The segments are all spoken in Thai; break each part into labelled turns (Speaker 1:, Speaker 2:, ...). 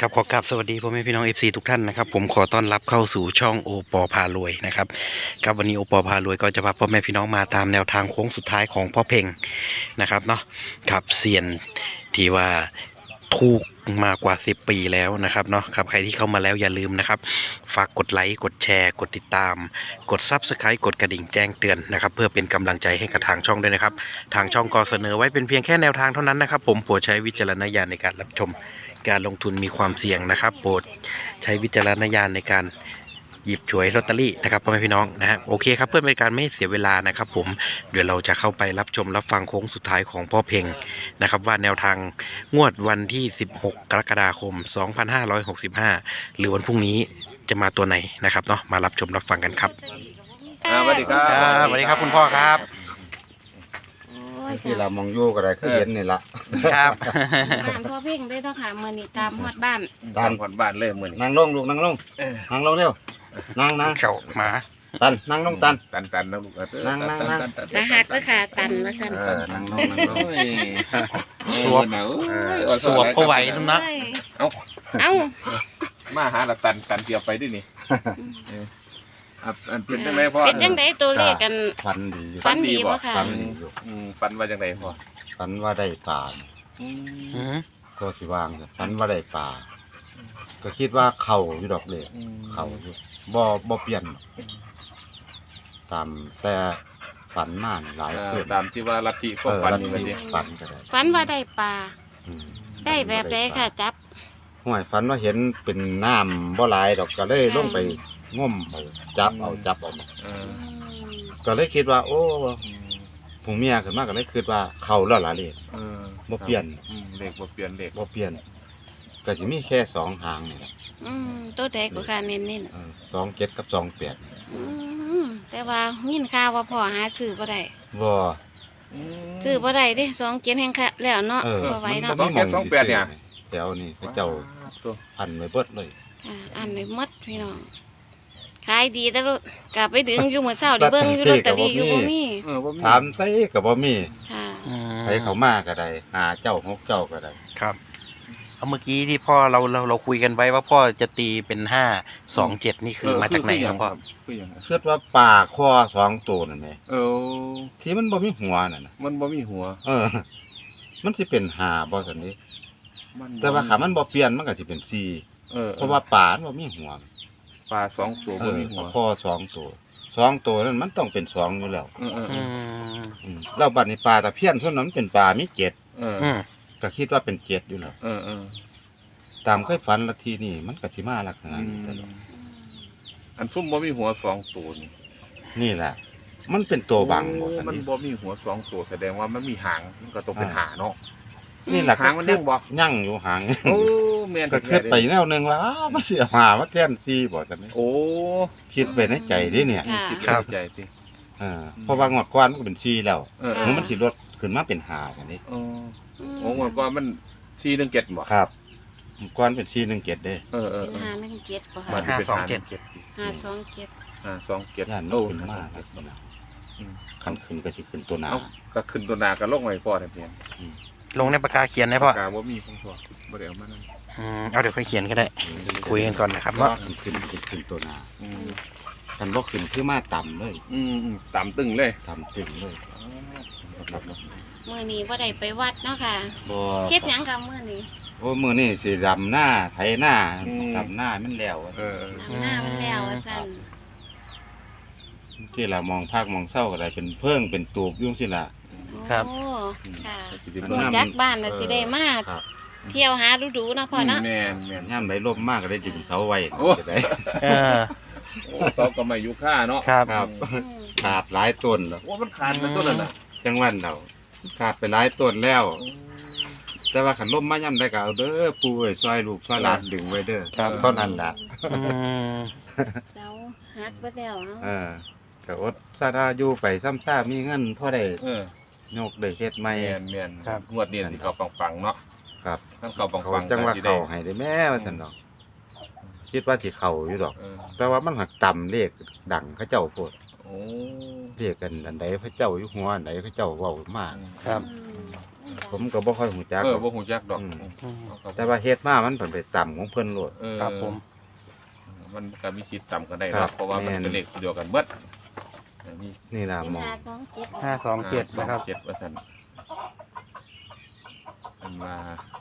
Speaker 1: ครับขอกราบสวัสดีพ่อแม่พี่น้อง FC ทุกท่านนะครับผมขอต้อนรับเข้าสู่ช่องโอปอพารวยนะครับครับวันนี้โอปอพารวยก็จะพาพ่อแม่พี่น้องมาตามแนวทางโค้งสุดท้ายของพ่อเพ่งนะครับเนาะครับเซียนที่ว่าถูกมากว่า10 ปีแล้วนะครับเนาะครับใครที่เข้ามาแล้วอย่าลืมนะครับฝากกดไลค์กดแชร์กดติดตามกด Subscribe กดกระดิ่งแจ้งเตือนนะครับเพื่อเป็นกำลังใจให้กับทางช่องด้วยนะครับทางช่องก็เสนอไว้เป็นเพียงแค่แนวทางเท่านั้นนะครับผมโปรดใช้วิจารณญาณในการรับชมการลงทุนมีความเสี่ยงนะครับโปรดใช้วิจารณญาณในการหยิบฉวยลอตเตอรี่นะครับพ่อแม่พี่น้องนะฮะโอเคครับเพื่อเป็นการไม่เสียเวลานะครับผมเดี๋ยวเราจะเข้าไปรับชมรับฟังโค้งสุดท้ายของพ่อเพ่งนะครับว่าแนวทางงวดวันที่16 กรกฎาคม 2565 หรือวันพรุ่งนี้จะมาตัวไหนนะครับเนาะมารับชมรับฟังกันครับ
Speaker 2: สวัสดีครับ
Speaker 1: สวัสดีครับคุณพ่อครับ
Speaker 3: ที่เรามองอยู่ก็ได้คือเห็นนี่ละ
Speaker 1: ครับ
Speaker 4: บ้านพ่อเพ่งได้เนาะค่ะมื้อนี้ตามฮอดบ้าน
Speaker 3: ตัน
Speaker 2: ผ่อนบ้านเลยเหมือน
Speaker 3: นั่งลงลูกนั่งลงนั่งลงเร็วนั่ง
Speaker 1: เข่าหมา
Speaker 3: ตันนั่งลงตัน
Speaker 2: ตันนะลูก
Speaker 3: นั่ง
Speaker 4: นะฮักเด้อค่ะตันว่าซั่น
Speaker 3: นั่งลง
Speaker 1: สวบสวบก็ไหวทุกนะ
Speaker 4: เอ้ย
Speaker 2: เอา
Speaker 4: เอ้า
Speaker 2: มาหาละตันเกี่ยวไปด้วยนี่อันเป็นจังไดพ่อ
Speaker 4: เป็นจังไดตัวเลขกัน
Speaker 3: ฝันดีอยู่
Speaker 4: ฝันดีบ่ค่ะ
Speaker 3: ฝันดีอยู่
Speaker 2: ฟันว่าจังไดพ่อ
Speaker 3: ฝันว่าได้ปลาก็สิวางฝันว่าได้ปลาก็คิดว่าเข่าอยู่ดอกเล็กเข่าอยู่บ่เปลี่ยนตามแต่ฝันมากหลายคืน
Speaker 2: ตามที่ว่าลัทธิก็ฟัน
Speaker 3: แล้ว
Speaker 2: นี่มันดิ
Speaker 3: ฝันก็ได้
Speaker 4: ฝันว่าได้ปลา
Speaker 3: อืม
Speaker 4: ได้แบบใดค่ะจับ
Speaker 3: ห่วยฝันว่าเห็นเป็นน้ำบ่หลายดอกก็เลยลงไปง่มเอาจับเอามา
Speaker 2: เออ
Speaker 3: ก็เลยคิดว่า โอ้ผู้เมียขึ้นมาก็เลยคิดว่าเข้าแล้วล่ะเลข บ่เปลี่ยน
Speaker 2: เลขบ่เปลี่ยนเลข
Speaker 3: บ่เปลี่ยนก็สิมีแค่2หางนี่แหละ
Speaker 4: ตัวใดก็ค่ะเน้น
Speaker 3: 27กับ28
Speaker 4: ๆแต่ว่ายินข่าวว่าพ่อหาซื้อบ่ได้
Speaker 3: บ่
Speaker 4: ซื้อบ่ได้เด้2 7แห่งค่ะแล้วเนาะ
Speaker 3: เออ
Speaker 4: บ่ไหวเนาะ
Speaker 3: มันบ่มีหม่องสิซื้อแถวนี้เขาเจ้าอันไว้เบิดเลย
Speaker 4: ค่ะอันไว้หมดพี่น้องขายดีแต่ลูกกลับไปดึงอยู่มื้อเช้าได้เบิ่งอยู่ลอตเตอรี่อยู่บ่มี
Speaker 3: ถามไสก็บ่มี
Speaker 4: ค่ะ
Speaker 3: ใครเขามาก็ได้หาเจ้า6เจ้าก็ได้
Speaker 1: ครับเอาเมื่อกี้ที่พ่อเราคุยกันไว้ว่าพ่อจะตีเป็น527นี่คือมาจากไหนครับพ่อ
Speaker 2: คือหยัง
Speaker 3: คิดว่าปลาคอ2ตัวนั่นแหละ ที่มันบ่มีหัวนั่นน่ะ
Speaker 2: มันบ่มีหัว
Speaker 3: มันสิเป็น5บ่ซั่นนี่แต่ว่าขามันบ่เปลี่ยนมันก็สิเป็น4เพราะว่าปลามันบ่มีหัว
Speaker 2: ปลา2ตัวบ่มีหัว
Speaker 3: คอ2ตัว2ตัวนั้นมันต้องเป็น2อยู่แล้ว แล้วบัดนี้ปลาตะเพียนเท่านั้นเป็นปลามี7ก็คิดว่าเป็น7อยู่แล้วตามเคยฝันละทีนี่มันก็สิมาลักษณะนี้ตลอด
Speaker 2: อันซุ่มบ่มีหัว2ตัวนี่
Speaker 3: นี่แหละ มันเป็นตัวบังบ่ซั่น
Speaker 2: มัน
Speaker 3: นี่
Speaker 2: บ่มีหัว2ตัวแสดงว่ามันมีหางมันก็ต้องเป็นหาเนาะ
Speaker 3: นี่แหละ
Speaker 2: หางมันยังบ่
Speaker 3: ยั่งอยู่หาง
Speaker 2: โอ้แม่น
Speaker 3: ก็คิดไปแนวหนึงว่ามันสิหามาแทน4บ่ซั่นนี่
Speaker 2: โอ้
Speaker 3: คิดไปในใจเด้เนี่ย
Speaker 4: ค่ะ
Speaker 2: คิด
Speaker 1: ครับ
Speaker 2: ในใจสิ
Speaker 3: เพราะว่างวดก่อนมันก็เป็น4แล้ว
Speaker 4: ค่ะ
Speaker 3: มันสิลดขึ้นมาเป็น5กันนี่
Speaker 2: โอ้งวดก่อนมัน417บ่
Speaker 3: ครับก่อนเป็น417เด้
Speaker 4: เป็น517บ่
Speaker 2: มั
Speaker 4: ค่ะ
Speaker 2: นเป็น
Speaker 4: 527
Speaker 3: ย่าน
Speaker 2: 527
Speaker 3: โอ้ขึ้นมาลักษณะคันขึ้นก็สิขึ้นตัวหน้า
Speaker 2: เอ้าก็ขึ้นตัวหน้าก็ลงไว้พอแท้เพียง
Speaker 1: ลงในปากกาเขียนได้พ่อ
Speaker 2: ปากกาบ่มีของพ่อบ่ได้เอามานั่น
Speaker 1: เอาเดี๋ยวค่อยเขียนก็ได้คุยกันก่อนนะครับ
Speaker 3: ว่า
Speaker 1: เนาะ
Speaker 3: ขึ้นตัวหน้าคันบ่ขึ้นคือมาต่ำเลย
Speaker 2: ต่ำตึงเลย
Speaker 3: ต่ำตึงเลยครับ
Speaker 4: มื้อนี้บ่ได้ไปวัดเนาะค่ะ
Speaker 3: บ่
Speaker 4: เฮ็ดหยังกับมื้อนี้
Speaker 3: โอ้มื้อนี้สิดำหน้าไถหน้าดำหน้ามันแล้ว
Speaker 4: น้ำหน้ามันแล้วว่าซั่น
Speaker 3: ที่ละมองภาคมองเศร้าก็ได้เป็นเพิ่งเป็นตูบยุ่งสิล่ะ
Speaker 1: ครับ
Speaker 4: โอ้ค่ะ
Speaker 2: สิได้
Speaker 4: รู้จักบ้านน่ะสิได้มา
Speaker 3: ครับ
Speaker 4: เที่ยวหาดูๆเนาะพ่อเนาะ
Speaker 2: แม่น
Speaker 3: ย่ามใดลมมากก็ได้ดึงเสาไว้
Speaker 2: โอ้
Speaker 3: จะได้
Speaker 1: เออ
Speaker 2: โอ้ซอกก็ไม่อยู่ค่าเนาะ
Speaker 1: ครับ
Speaker 3: ครับ ขาดหลายต้นแล้ว
Speaker 2: โอ้มันขาดมันต้นนั้นน่ะ
Speaker 3: จังหวันเราขาดไปหลายต้นแล้ว แต่ว่าขันลมมาย่ำได้ก็เอาเด้อปู่เอ้ยซอยลูกซอยหลานดึงไว้เด้อ
Speaker 1: ครับ
Speaker 3: เท่านั้นล่ะ
Speaker 4: เสาหักไปแล้วเนาะ
Speaker 3: ก็อดซาดาอยู่ไปซ้ำซ่ามีเงินพอได้
Speaker 2: เ
Speaker 3: ยกได้เฮ็ดใหม่
Speaker 2: แม่น
Speaker 1: ครับ
Speaker 2: งวดนี้สิเขาปังๆเนาะ
Speaker 3: ครับ
Speaker 2: ทั้งเขาปั
Speaker 3: เขา
Speaker 2: งๆ
Speaker 3: จังว่า
Speaker 2: ก็สิ
Speaker 3: เขาให้ได้แม่ว่าซั่นดอก คิดว่าสิเข้าอยู่ดอก
Speaker 2: เออ
Speaker 3: แต่ว่ามันหักต่ำเลขดังเขาเจ้าโพด
Speaker 2: โอ้
Speaker 3: เลขกันอันใดพระเจ้าอยู่หัวอันใดเขาเจ้าเว้ามา
Speaker 1: ครับ
Speaker 4: ดัง
Speaker 3: ผมก็บ่ค่อยฮู้จัก
Speaker 2: บ่ฮู้จักดอก
Speaker 3: แต่ว่าเฮ็ดมามันเพิ่นไปต่ำของเพิ่นโลด
Speaker 1: ครับผม
Speaker 2: มันก็มีสิทธิ์ต่ำกันได้
Speaker 3: ครั
Speaker 2: เนาะ
Speaker 3: บ
Speaker 2: เพราะว่ามัน
Speaker 3: แม่น
Speaker 2: เป็นเลขเดียวกันเบิดนี่
Speaker 3: นี่ล่ะ
Speaker 4: เป็น
Speaker 3: หมอง
Speaker 4: 527
Speaker 1: 527นะครับ
Speaker 2: 7ว่าซั่นมันมา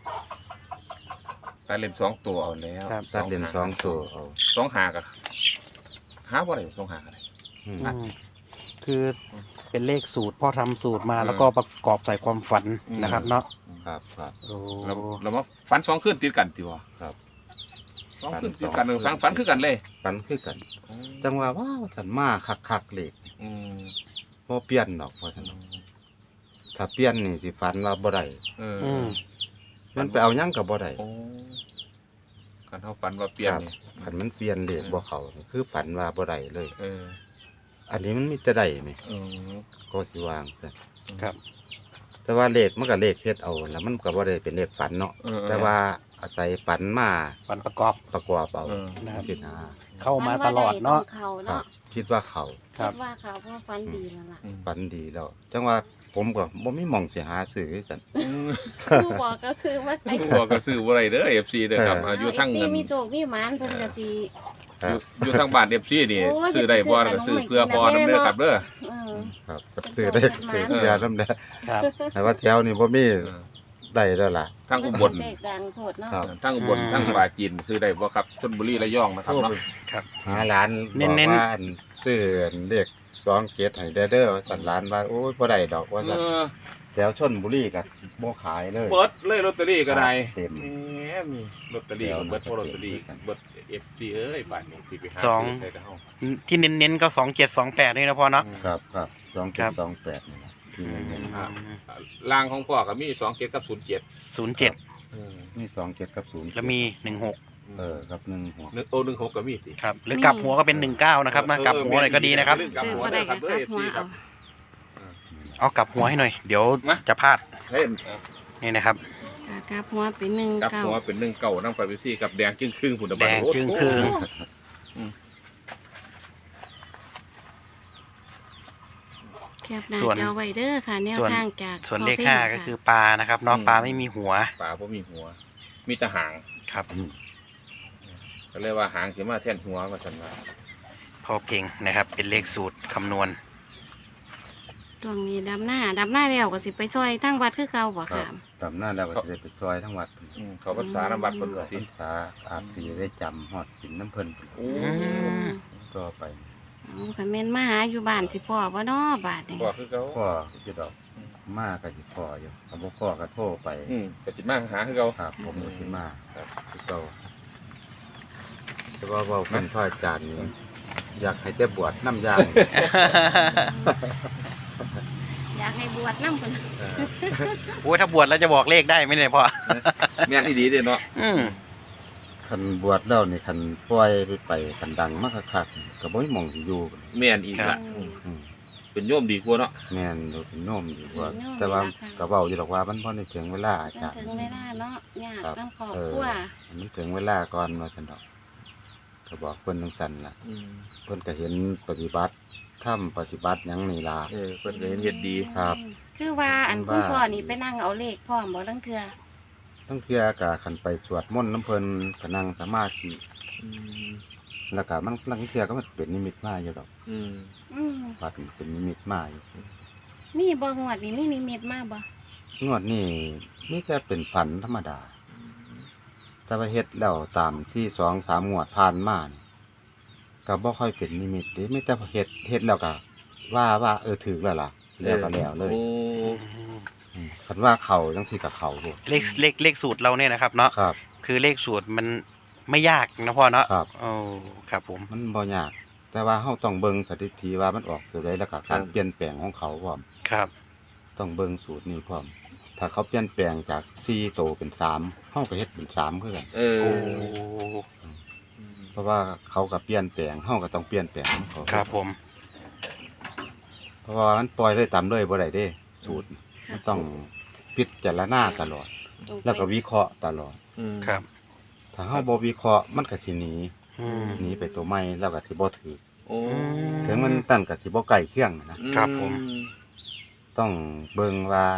Speaker 2: ตัดเล่น2ตัวเอาแล้ว
Speaker 1: ครับ
Speaker 3: ตัดเหรียญ2ตัวเอา
Speaker 2: 2หาก็หาบ่ได้2หาก็ได้
Speaker 3: อืม
Speaker 1: อืมคือเป็นเลขสูตรพ่อทำสูตรมาแล้วก็ประกอบใส่ความฝันนะครับเนาะ
Speaker 3: ครับครับ
Speaker 1: โอ้
Speaker 2: เรามาฝัน2คืนติดกันติบ่
Speaker 3: ครับ
Speaker 2: 2คืนติดกันฝันคือกันเลย
Speaker 3: ปันคือกัน จังว่าว้าวฉันมาคักๆเลข
Speaker 2: อืม
Speaker 3: บ่เปลี่ยนดอกว่าซั่นถ้าเปลี่ยนนี่สิฝันว่าบ่ได้
Speaker 2: เออ
Speaker 1: อืม
Speaker 3: มันไปเอาหยังก็บ่ได้
Speaker 2: โอ้การเฮาฝันว่าเปลี่ยน
Speaker 3: ครับ
Speaker 2: นี่
Speaker 3: คันมันเปลี่ยนเลขบ่เข้านี่คือฝันว่าบ่ได้เลย
Speaker 2: เออ
Speaker 3: อันนี้มันมีแต่ได้นี่
Speaker 2: เออ
Speaker 3: ก็สิวางซะ
Speaker 1: ครับ
Speaker 3: แต่ว่าเลขมันก็เลขเฮ็ดเอาแล้วมันก็บ่ได้เป็นเลขฝันเนาะ
Speaker 2: เออ
Speaker 3: แต่ว่าอาศัยฝันมา
Speaker 1: ฝันประกอบ
Speaker 3: ประกอบเอา
Speaker 2: เออ
Speaker 1: นะครับ
Speaker 3: สินะ
Speaker 1: เข้ามาตลอดเนาะ
Speaker 4: เขา
Speaker 3: ครั
Speaker 4: เนาะ
Speaker 3: บ คิดว่าเขา
Speaker 1: ครั
Speaker 4: คิ
Speaker 1: บ
Speaker 4: ดว่าเขาเพราะฟันดีแล้วล่ะ
Speaker 3: ฝันดีแล้ว จังว่าผมก็บ่มีหม่องสิหาซื้อคือกัน
Speaker 4: ผู้บอกก็ซื้อว่าไป
Speaker 2: ผู้บอกก็ซื้อบ่ได้เด้อ FC เด้อครับอยู่ทาง
Speaker 4: เอฟ
Speaker 2: เงิ
Speaker 4: ซี
Speaker 2: น
Speaker 4: มีโชคมีหมานเพิ่นก็สิ
Speaker 2: อยู่ทางบ้าน FC นี่
Speaker 4: โอ้ย
Speaker 2: ซื้อได้บ่ก็ซื้อเพื่อพอนำเด้อครับเด้อ
Speaker 4: เออ
Speaker 3: ครับก็ซื้อได้ซื้อยานำได้
Speaker 1: ครับ
Speaker 3: แต่ว่าแถวนี้บ่มีได้แล้วล่ะ
Speaker 2: ทางอุบล
Speaker 4: เลขดังโพดเนาะ
Speaker 3: ครับ
Speaker 2: ทางอุบลทางปราจีนซื้อได้บ่ครับชลบุรีระยองนะครับเนาะ
Speaker 1: ครับ
Speaker 3: หาร้าน
Speaker 1: เน้
Speaker 3: บอก
Speaker 1: นๆ
Speaker 3: ว่าอันซื้ออันเลข2เกตให้ได้เด้อว่าสั่นร้านว่าโอ้ยบ่ได้ดอกว่า
Speaker 2: เอ
Speaker 3: สั่น
Speaker 2: อ
Speaker 3: แถวชลบุรีก็บ่ขายเลย
Speaker 2: เบิดเลยลอตเตอรี่ก็ได้
Speaker 3: เต็ม
Speaker 2: แหมมีลอตเตอรี่ก็เบิดเพราะลอตเตอรี่เบิด FC เอ้ยบ้านนี้สิไปหา
Speaker 1: สอง
Speaker 2: ซื้อใส่แต่เฮา
Speaker 1: ที่เน้นๆก็2728นี่นะพ่อเนาะ
Speaker 3: ครับครับ2
Speaker 1: ครับ
Speaker 3: 7 2 8นี่ล่ะที่เน้น
Speaker 2: ล่างของพ่อก็มี27กับ07
Speaker 1: 07
Speaker 3: มี2 7กับ0
Speaker 1: แล้วมี16
Speaker 3: ครับ1หัว
Speaker 2: 16ก็มีสิ
Speaker 1: ครับ หรือกลับหัวก็เป็น19นะครับนะกลับหัวหน่อยก็ดีนะครับ
Speaker 2: กลับ
Speaker 4: ซื้อ
Speaker 2: หัว
Speaker 4: บ่
Speaker 2: เด้
Speaker 4: ได้
Speaker 2: อค
Speaker 4: ก็
Speaker 2: รับเด้อ
Speaker 4: คัดหัว
Speaker 2: FC ครั
Speaker 4: เอา
Speaker 2: บ
Speaker 1: เอากลับหัวให้หน่อย เดี๋ยว
Speaker 2: มา
Speaker 1: จะพลาด
Speaker 2: เห็น
Speaker 1: นี่นะครับ
Speaker 4: กลับหัวเป็นหนึ่ง
Speaker 2: กลับ
Speaker 4: เก้า
Speaker 2: หัวเป็น19นำไป FC กับแดงจึงครึ่งพุ่นน่ะ
Speaker 1: แดงจึงครึ่ง
Speaker 4: แคบหน้า
Speaker 1: ส่วน
Speaker 4: จอไว้เด้อค่ะแนว
Speaker 1: ส่วน
Speaker 4: ทางจาก
Speaker 1: ส่วนเลข
Speaker 4: พ่พง
Speaker 1: 5ก็คือปลานะครับเนาะปลาไม่มีหัว
Speaker 2: ปลาบ่มีหัว มีแต่หาง
Speaker 1: ครับ
Speaker 2: ก็เลยว่าหางสิมาแทนหัวว่าซั่นว่า
Speaker 1: พ่อเพ่งนะครับ เป็นเลขสูตรคำนวณ
Speaker 4: ตรงนี้ดำหน้าแล้วก็สิไปซอยทั้งวัดคือเก่าบ่
Speaker 3: ครั
Speaker 4: ค่ะ
Speaker 3: บ ดำหน้าแล้วก็จะได้ไปซอยทั้งวัด
Speaker 2: เขาก็สารบัตรเพิ่น
Speaker 3: พ
Speaker 2: ก็
Speaker 3: รรษาอาจสิได้จำฮอดศีลน้ำเพิ่น
Speaker 2: โอ้
Speaker 3: ต่อไป
Speaker 4: คันแม่นมาหาอยู่บ้านสิพ่อบ่เนาะบาดนี้
Speaker 2: บ่คือเขา
Speaker 3: พ่อจะดอกมาก็สิพ่ออยู่ถ้าบ่พ่อก็โทรไป
Speaker 2: ก็สิมาหาคือเขา
Speaker 3: ครับผมก็สิมา
Speaker 2: ครับ
Speaker 3: คือเก่าแต่ว่าเว้าเป็นพ่ออาจารย์นี่อยากให้แต่บวชน้ำยาง
Speaker 4: อยากให้บวชนำเพิ่น
Speaker 1: โอ้ยถ้าบวชแล้วจะบอกเลขได้ไหมเนี่ยพ่อ
Speaker 2: แม่นอีดีเด้เนาะ
Speaker 1: อืม
Speaker 3: คันบวชแล้วนี่คันปล่อยไปคันดังมากคักๆก็บ่มีหม่องสิอยู่
Speaker 2: แม่นอีกละ
Speaker 3: อืม
Speaker 2: เป็นโยมดีกว่าเนาะ
Speaker 3: แม่นดูเป็นโน้มดีกว่า แต่ว่าก็เว้าอยู่ดอกว่ามันบ่ได้ถึงเวลาอา
Speaker 4: จัง
Speaker 3: จารย์
Speaker 4: ถึงเวลาเนาะยาก
Speaker 3: ครับ
Speaker 4: นำครอบครัว
Speaker 3: มันถึงเวลาก่อนว่าซั่นดอกก็บอกเพิ่นจังซั่นล่ะเพิ่นก็เห็นปฏิบัติทำปฏิบัติหยังนี่ล่ะ
Speaker 2: เพิ่นก็เห็นเฮ็ดดี
Speaker 3: ครับ
Speaker 4: คือว่าอันคุณพ่อนี่ไปนั่งเอาเลขพร้อมบ่ลังเทื่อ
Speaker 3: ทั้งเที่ยก็คันไปสวดมนต์น้ำเพิ่นก็นั่งสมาธิแล้วก็มันลังเที่ยก็มันเป็นนิมิตมาอยู่ดอก
Speaker 4: อืม
Speaker 3: วัดมันเป็นนิมิตมาอยู่
Speaker 4: มีบ่งวดนี่มีนิมิตมาบ่
Speaker 3: งวดนี้มีแต่เป็นฝันธรรมดา แต่ว่าเฮ็ดแล้วตามที่2-3งวดผ่านมานี่ก็บ่ค่อยเป็นนิมิตเด้มีแต่เฮ็ดแล้วก็ว่าถูกแล้วล่ะแล้วก็แล้วเลย
Speaker 2: โอ้
Speaker 3: คันว่าเข้าจังซี่ก็เข้าโลด
Speaker 1: เลขสูตรเราเนี่ยนะครับเนาะ
Speaker 3: ครับ
Speaker 1: คือเลขสูตรมันไม่ยากนะพ่อเนาะ
Speaker 3: ครับ
Speaker 1: โอ้ครับผม
Speaker 3: มันบ่ยาก แต่ว่าเฮาต้องเบิ่งสถิติว่ามันออกตัวใดแล้วก็การเปลี่ยนแปลงของเขาพร้อม
Speaker 1: ครับ
Speaker 3: ต้องเบิ่งสูตรนี้พร้อม ถ้าเขาเปลี่ยนแปลงจาก4โตเป็น3เฮาก็เฮ็ดเป็น3คือกัน
Speaker 1: โอ้
Speaker 3: เพราะว่าเขาก็เปลี่ยนแปลงเฮาก็ต้องเปลี่ยนแปลงของเขา
Speaker 1: ครับผม
Speaker 3: เพราะว่ามันปล่อยเลยตามเลยบ่ได้เด้ สูตรมันต้องพิจารณาตลอด แล้วก็วิเคราะห์ตลอด
Speaker 1: ครับ
Speaker 3: ถ้าเฮาบ่วิเคราะห์มันก็สิหนี
Speaker 1: อืม
Speaker 3: หนีไปตัวใหม่แล้วก็สิบ่ถือ
Speaker 2: โอ้
Speaker 3: ถึงมันตั้นก็สิบ่ใกล้เคียงนะ
Speaker 1: ครับผม
Speaker 3: ต้องเบิ่งว่าค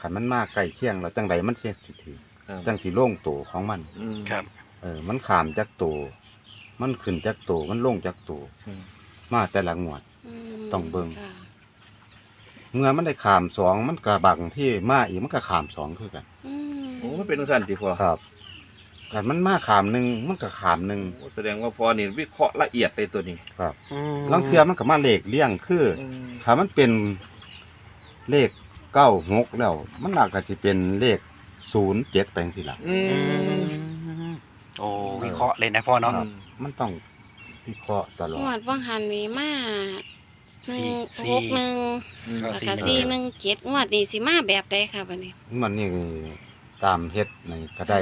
Speaker 3: ขันมันมาใกล้เคียงแล้วจังใดมันสิถือ
Speaker 2: ครับ
Speaker 3: จังสิโล่งตัวของมัน
Speaker 1: ครับ
Speaker 3: มันขามจากตัวมันขึ้นจากตัวมันลงจากตัว
Speaker 2: อืม
Speaker 3: มาแต่ละงวด
Speaker 4: ม
Speaker 3: ต้องเบิ่ง
Speaker 4: ค่ะ
Speaker 3: เมื่อมันได้ขามสองมันกระบังที่มาอีกมันก็ขามสองคือกัน
Speaker 4: อืม
Speaker 2: โอ้มันเป็นสั่นติพ่อ
Speaker 3: ครับขันมันมาขามหนึ่งมันก็ขามหนึ่ง
Speaker 2: โอ้แสดงว่าพ่อนี่วิเคราะห์ละเอียดเลยตัวนี้
Speaker 3: ครับลางเทือมันก็มาเลขเลี่ยงคือถ้ามันเป็นเลข96แล้ว มันอาจจะสิเป็นเลข07ไปจังซี่ล่ะ
Speaker 2: อืม
Speaker 1: โอ้วิเคราะห์เลยนะพ่อเนาะ
Speaker 3: ครับ มันต้องวิเคราะห์ตลอด
Speaker 4: งวดว่างหันนี้มาหนึ่ง
Speaker 1: สี่
Speaker 4: หกหนึ่ง
Speaker 1: ก็
Speaker 4: แล้ว
Speaker 1: สี่
Speaker 4: ก็
Speaker 1: หนึ่ง
Speaker 4: 417งวดนี้สิมาแบบใดค่ะบัดนี้
Speaker 3: มันนี่ตามเฮ็ดนี่ก็ได้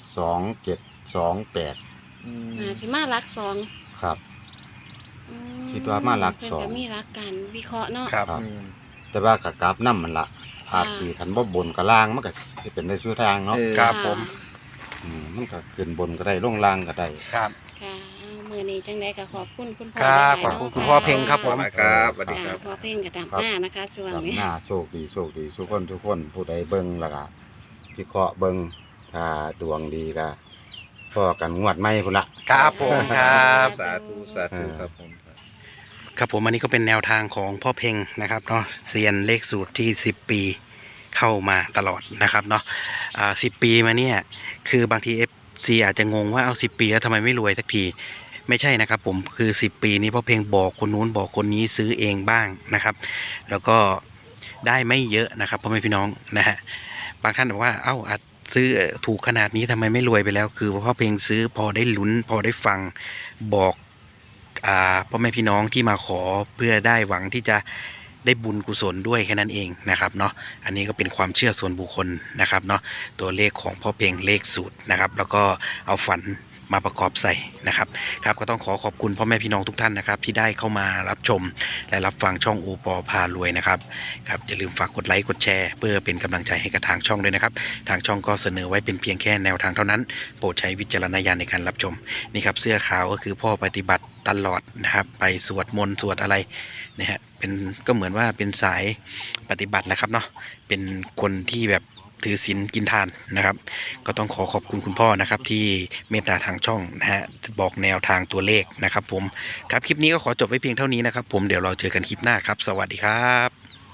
Speaker 3: 2728
Speaker 4: สิมาหลักสอง
Speaker 3: ครับ
Speaker 4: อืม
Speaker 3: คิดว่ามาหลัก
Speaker 4: เพิ่น
Speaker 3: สอง
Speaker 4: ก็มีหลักการวิเคราะห์เนาะ
Speaker 1: ครับ
Speaker 3: ครับ แต่ว่าก็กราฟนำมันละอาจสิคันบ่บนกับล่างมันก็สิเป็นได้ชั่วทางเนาะ
Speaker 1: ครับผม
Speaker 3: มันก็ขึ้นบนก็ได้ลงล่างก็ได้
Speaker 1: ครับ
Speaker 4: ค่ะเอามื้อนี้จังไดก็ขอบคุณคุณพ่อ
Speaker 1: ครับ
Speaker 4: หลายๆ
Speaker 1: ขอบคุณ
Speaker 4: เนาะ
Speaker 1: คุณพ่อเพ็งครับผม
Speaker 2: ครับสวัสดีครับ
Speaker 4: พ่อเพ่งกับตามหน้านะคะส่วน
Speaker 3: ครับ
Speaker 4: นี้
Speaker 3: หน้าโชคดีทุกคนผู้ใดเบิ่งแล้วก็วิเคราะห์เบิ่งถ้าดวงดีก็พอกันงวดใหม่พุ่นละ
Speaker 1: ครับผมครับ
Speaker 2: สาธุสาธุครับผม
Speaker 1: ครับผมอันนี้ก็เป็นแนวทางของพ่อเพ็งนะครับเนาะเซียนเลขสูตรที่10 ปีเข้ามาตลอดนะครับเนาะ10 ปีมาเนี่ยคือบางที FC อาจจะงงว่าเอา10 ปีแล้วทำไมไม่รวยสักทีไม่ใช่นะครับผมคือ10 ปีนี้พ่อเพ็งบอกคนนู้นบอกคนนี้ซื้อเองบ้างนะครับแล้วก็ได้ไม่เยอะนะครับพ่อแม่พี่น้องนะฮะบางท่านบอกว่าเอ้าอาจซื้อถูกขนาดนี้ทำไมไม่รวยไปแล้วคือพ่อเพ็งซื้อพอได้ลุ้นพอได้ฟังบอกพ่อแม่พี่น้องที่มาขอเพื่อได้หวังที่จะได้บุญกุศลด้วยแค่นั้นเองนะครับเนาะอันนี้ก็เป็นความเชื่อส่วนบุคคลนะครับเนาะตัวเลขของพ่อเพ็งเลขสูตรนะครับแล้วก็เอาฝันมาประกอบใส่นะครับครับก็ต้องขอบคุณพ่อแม่พี่น้องทุกท่านนะครับที่ได้เข้ามารับชมและรับฟังช่องโอปอพารวยนะครับครับอย่าลืมฝากกดไลค์กดแชร์เพื่อเป็นกำลังใจให้กับทางช่องด้วยนะครับทางช่องก็เสนอไว้เป็นเพียงแค่แนวทางเท่านั้นโปรดใช้วิจารณญาณในการรับชมนี่ครับเสื้อขาวก็คือพ่อปฏิบัติตลอดนะครับไปสวดมนต์สวดอะไรนะฮะเป็นก็เหมือนว่าเป็นสายปฏิบัติแหละครับเนาะเป็นคนที่แบบถือศีลกินทานนะครับก็ต้องขอบคุณคุณพ่อนะครับที่เมตตาทางช่องนะฮะบอกแนวทางตัวเลขนะครับผมครับคลิปนี้ก็ขอจบไว้เพียงเท่านี้นะครับผมเดี๋ยวเราเจอกันคลิปหน้าครับสวัสดีครับ